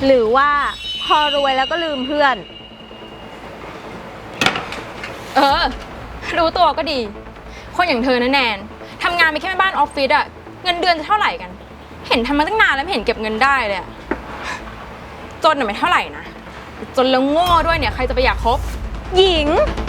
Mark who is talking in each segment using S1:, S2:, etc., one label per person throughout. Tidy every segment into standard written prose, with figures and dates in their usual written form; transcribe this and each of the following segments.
S1: หรือว่าพอรวยแล้วก็ลืมเพื่อน
S2: รู้ตัวก็ดีคนอย่างเธอนะแนนทำงานไปแค่แม่บ้านออฟฟิศอะเงินเดือนจะเท่าไหร่กันเห็นทำมาตั้งนานแล้วไม่เห็นเก็บเงินได้เลยอะจนไม่เท่าไหร่นะจนแล้วโง่ด้วยเนี่ยใครจะไปอยากคบ
S1: หญิง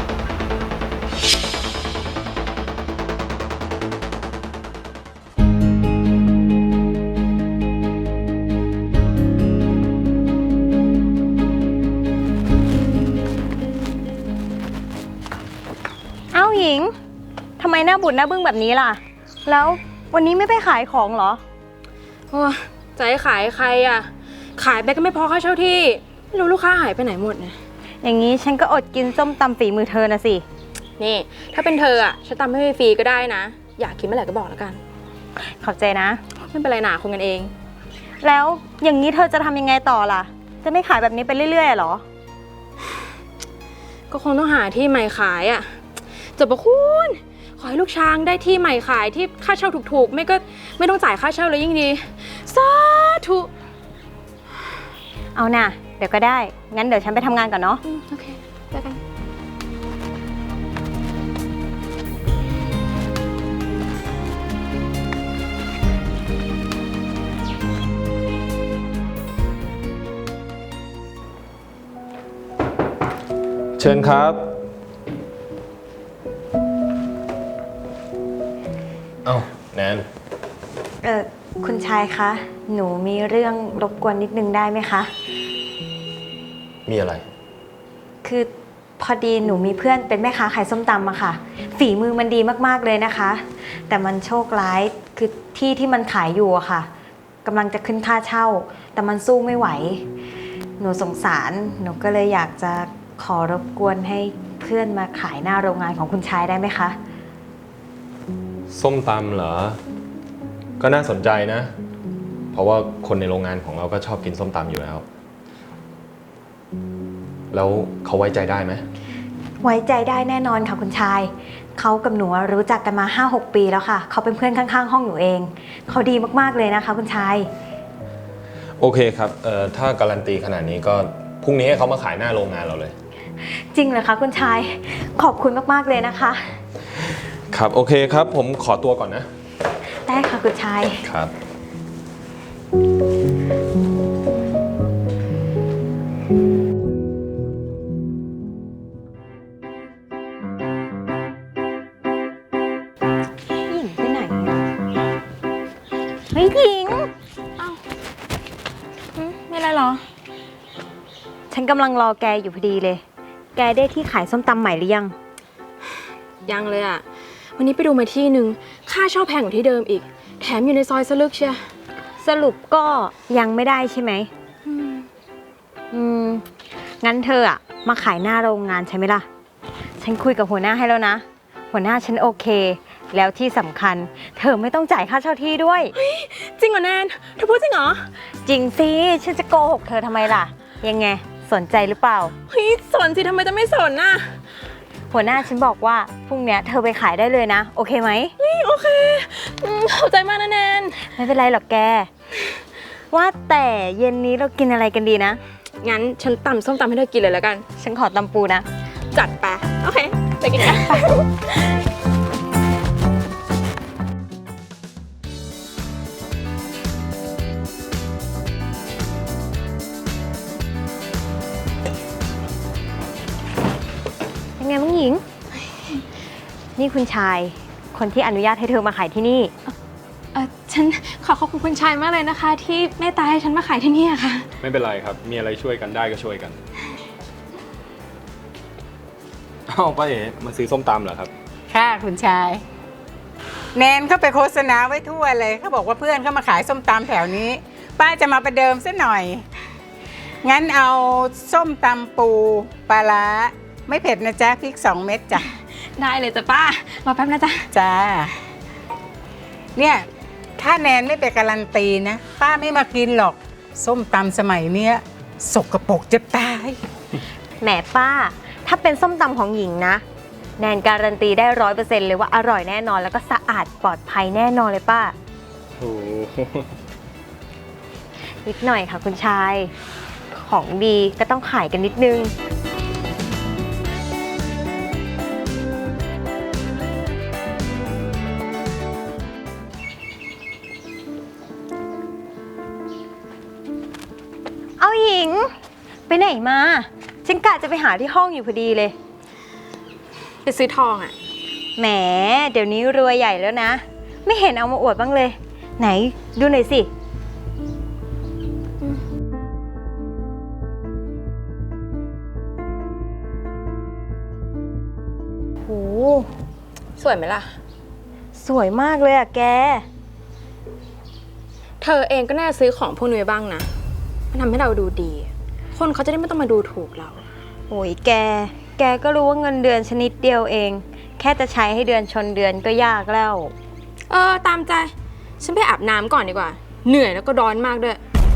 S1: เอ้าหญิงทำไมหน้าบุญหน้าบึ้งแบบนี้ล่ะแล้ววันนี้ไม่ไปขายของเหรอ
S2: โอ้จะให้ขายใครอะขายไปก็ไม่พอค่าเช่าที่ไม่รู้ลูกค้าหายไปไหนหมดเนี่ย
S1: อย่างนี้ฉันก็อดกินส้มตำฝีมือเธอนะสิ
S2: นี่ถ้าเป็นเธออะฉันตำให้ฟรีก็ได้นะอยากกินเมื่อไหร่ก็บอกแล้วกัน
S1: ขอบใจนะ
S2: ไม่เป็นไรหนาคนกันเอง
S1: แล้วอย่างนี้เธอจะทำยังไงต่อล่ะจะไม่ขายแบบนี้ไปเรื่อยๆหรอ
S2: ก็คงต้องหาที่ใหม่ขายอะจบปะคุณขอให้ลูกช้างได้ที่ใหม่ขายที่ค่าเช่าถูกๆไม่ก็ไม่ต้องจ่ายค่าเช่าเลยยิ่งดีสาธุ
S1: เอาน่ะเดี๋ยวก็ได้งั้นเดี๋ยวฉันไปทำงานก่อนเนาะ
S2: โอเคเจอกัน
S3: เชิญครับเอ้าแนน
S1: คุณชายคะหนูมีเรื่องรบกวนนิดนึงได้ไหมคะ
S3: มีอะไร
S1: คือพอดีหนูมีเพื่อนเป็นแม่ค้าขายส้มตำอะค่ะฝีมือมันดีมากๆเลยนะคะแต่มันโชคร้ายคือที่มันขายอยู่อะค่ะกำลังจะขึ้นค่าเช่าแต่มันสู้ไม่ไหวหนูสงสารหนูก็เลยอยากจะขอรบกวนให้เพื่อนมาขายหน้าโรงงานของคุณชายได้ไหมคะ
S3: ส้มตำเหรอก็น่าสนใจนะเพราะว่าคนในโรงงานของเราก็ชอบกินส้มตำอยู่แล้วแล้วเขาไว้ใจได้ไหม
S1: ไว้ใจได้แน่นอนค่ะคุณชายเขากับหนูรู้จักกันมา 5-6 ปีแล้วค่ะเขาเป็นเพื่อนข้างๆห้องหนูเองเขาดีมากๆเลยนะคะคุณชาย
S3: โอเคครับถ้าการันตีขนาดนี้ก็พรุ่งนี้ให้เขามาขายหน้าโรงงานเราเลย
S1: จริงเหรอคะคุณชายขอบคุณมากๆเลยนะคะ
S3: ครับโอเคครับผมขอตัวก่อนนะ
S1: ได้ค่ะคุณชาย
S3: ครับ
S1: หญิงไปไหนเฮ้ยหญิง
S2: อ้าวไม่อะไรหรอ
S1: ฉันกำลังรอแกอยู่พอดีเลยแกได้ที่ขายส้มตำใหม่หรือยัง
S2: ยังเลยอะวันนี้ไปดูมาที่หนึ่งค่าเช่าแพงกว่าที่เดิมอีกแถมอยู่ในซอยสลึกเชีย
S1: สรุปก็ยังไม่ได้ใช่ไหมงั้นเธออะมาขายหน้าโรงงานใช่ไหมล่ะฉันคุยกับหัวหน้าให้แล้วนะหัวหน้าฉันโอเคแล้วที่สำคัญเธอไม่ต้องจ่ายค่าเช่าที่ด้วย
S2: จริงเหรอแนนเธอพูดจริงเหรอ
S1: จริงสิฉันจะโกหกเธอทำไมล่ะยังไงสนใจหรือเปล่า
S2: เฮ้ยสนสิทำไมจะไม่สนน่ะ
S1: หัวหน้าฉันบอกว่าพรุ่งนี้เธอไปขายได้เลยนะโอเคไหม
S2: โอเคเข้าใจมากนะแนน
S1: ไม่เป็นไรหรอกแกว่าแต่เย็นนี้เรากินอะไรกันดีนะ
S2: งั้นฉันตำส้มตำให้เธอกินเลยแล้วกัน
S1: ฉันขอตำปูนะ
S2: จัดไปโอเคไปกินกัน
S1: ยังไงบ้างหญิงนี่คุณชายคนที่อนุญาตให้เธอมาขายที่นี่
S2: ฉันขอบคุณคุณชายมากเลยนะคะที่เมตตาให้ฉันมาขายที่นี่ค่ะ
S3: ไม่เป็นไรครับมีอะไรช่วยกันได้ก็ช่วยกันอ้าวป้าเอ๋มาซื้อส้มตำเหรอครับ
S4: ค่ะคุณชายแนนเข้าไปโฆษณาไว้ทั่วเลยเขาบอกว่าเพื่อนเขามาขายส้มตำแถวนี้ป้าจะมาประเดิมซะหน่อยงั้นเอาส้มตำปูปลาร้าไม่เผ็ดนะจ๊ะพริก2 เม็ดจ้ะ
S2: ได้เลยจ้ะป้ารอแป๊บนะจ๊ะ
S4: จ้าเนี่ยถ้าแนนไม่ไปการันตีนะป้าไม่มากินหรอกส้มตำสมัยเนี้ยสกปรกจะตาย
S1: แหมป้าถ้าเป็นส้มตำของหญิงนะแนนการันตีได้100%เลยว่าอร่อยแน่นอนแล้วก็สะอาดปลอดภัยแน่นอนเลยป้า
S3: โอ้
S1: นิดหน่อยค่ะคุณชายของดีก็ต้องขายกันนิดนึง เอาหญิง ไปไหนมาฉันกะจะไปหาที่ห้องอยู่พอดีเลย
S2: ไปซื้อทองอะ
S1: แหมเดี๋ยวนี้รวยใหญ่แล้วนะ ไม่เห็นเอามาอวดบ้างเลย ไหนดูหน่อยสิ โห
S2: สวยไหมล่ะ
S1: สวยมากเลยอะแก
S2: เธอเองก็น่าซื้อของพวกนี้ไว้บ้างนะมันทำให้เราดูดี คนเขาจะได้ไม่ต้องมาดูถูกเรา
S1: โอ้ยแกก็รู้ว่าเงินเดือนชนิดเดียวเอง แค่จะใช้ให้เดือนชนเดือนก็ยากแล้ว
S2: ตามใจ ฉันไปอาบน้ำก่อนดีกว่า เหนื่อยแล้วก็ร้อนมากด้วย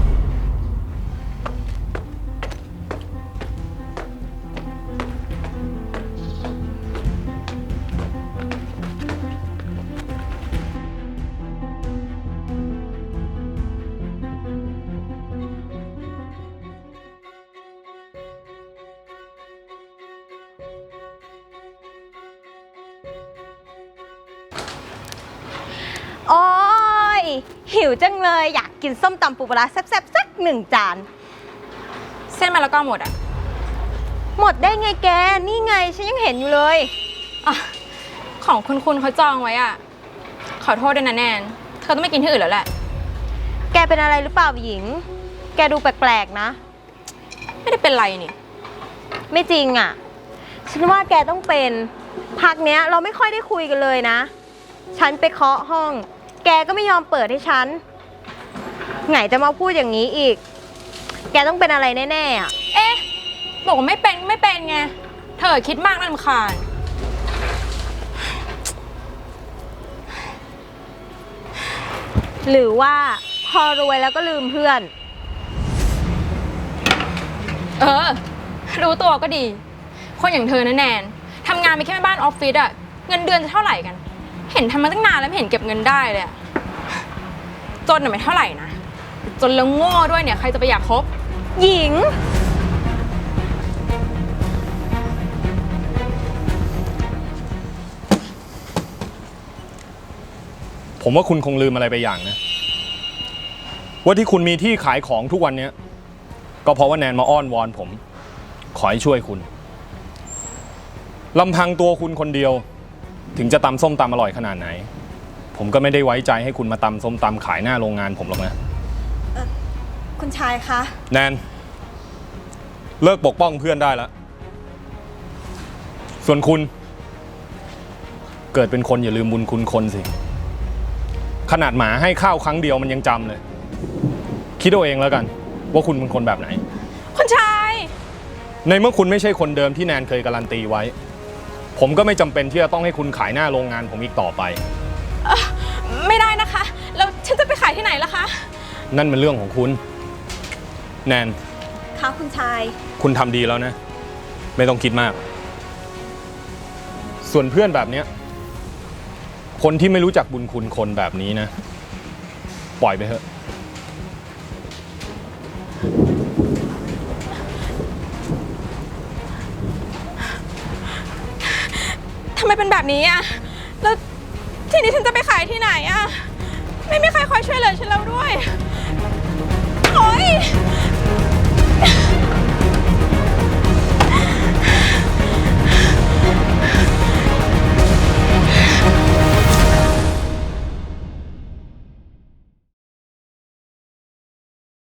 S1: โอ้ยหิวจังเลยอยากกินส้มตำปูปลาร้าแซ่บๆสัก1 จาน
S2: เส้นมาแล้วก็หมดอ่ะ
S1: หมดได้ไงแก นี่ไงฉันยังเห็นอยู่เลย
S2: ของคุณเขาจองไว้อ่ะ ขอโทษด้วยนะแนน เธอต้องไม่กินที่อื่นแล้วแหละ
S1: แกเป็นอะไรหรือเปล่าหญิง แกดูแปลกๆนะ
S2: ไม่ได้เป็นไรนี่
S1: ไม่จริงอ่ะ ฉันว่าแกต้องเป็นพักเนี้ยเราไม่ค่อยได้คุยกันเลยนะ ฉันไปเคาะห้อง แกก็ไม่ยอมเปิดให้ฉัน ไงจะมาพูดอย่างนี้อีก แกต้องเป็นอะไรแน่ๆอ่ะ
S2: เอ๊ะ บอกว่าไม่เป็นไง เธอคิดมากน่ารำคาญ
S1: หรือว่าพอรวยแล้วก็ลืมเพื่อน
S2: รู้ตัวก็ดี คนอย่างเธอนะแนนทำงานไปแค่แม่บ้านออฟฟิศอะเงินเดือนจะเท่าไหร่กัน เห็นทำมาตั้งนานแล้วไม่เห็นเก็บเงินได้เลยอะจนไม่เท่าไหร่นะ จนแล้วโง่ด้วยเนี่ยใครจะไปอยากคบ
S1: หญิง
S3: ผมว่าคุณคงลืมอะไรไปอย่างนะ ว่าที่คุณมีที่ขายของทุกวันนี้ก็เพราะว่าแนนมาอ้อนวอนผม ขอให้ช่วยคุณลำพังตัวคุณคนเดียว ถึงจะตำส้มตำอร่อยขนาดไหน ผมก็ไม่ได้ไว้ใจให้คุณมาตำส้มตำขายหน้าโรงงานผมหรอกนะ
S1: คุณชายคะ
S3: แนนเลิกปกป้องเพื่อนได้แล้ว ส่วนคุณเกิดเป็นคนอย่าลืมบุญคุณคนสิ ขนาดหมาให้ข้าวครั้งเดียวมันยังจำเลย คิดเอาเองแล้วกัน ว่าคุณเป็นคนแบบไหน
S2: คุณชาย
S3: ในเมื่อคุณไม่ใช่คนเดิมที่แนนเคยการันตีไว้ ผมก็ไม่จำเป็นที่จะต้องให้คุณขายหน้าโรงงานผมอีกต่อไป
S2: ไม่ได้นะคะ แล้วฉันจะไปขายที่ไหนล่ะคะ
S3: นั่นเป็นเรื่องของคุณ แนน
S1: คะคุณชาย
S3: คุณทำดีแล้วนะ ไม่ต้องคิดมาก ส่วนเพื่อนแบบเนี้ยคนที่ไม่รู้จักบุญคุณคนแบบนี้นะ ปล่อยไปเถอะ
S2: ทำไมเป็นแบบนี้อะแล้วทีนี้ฉันจะไปขายที่ไหนอะไม่มีใครคอยช่วยเหลือฉันแล้วด้วย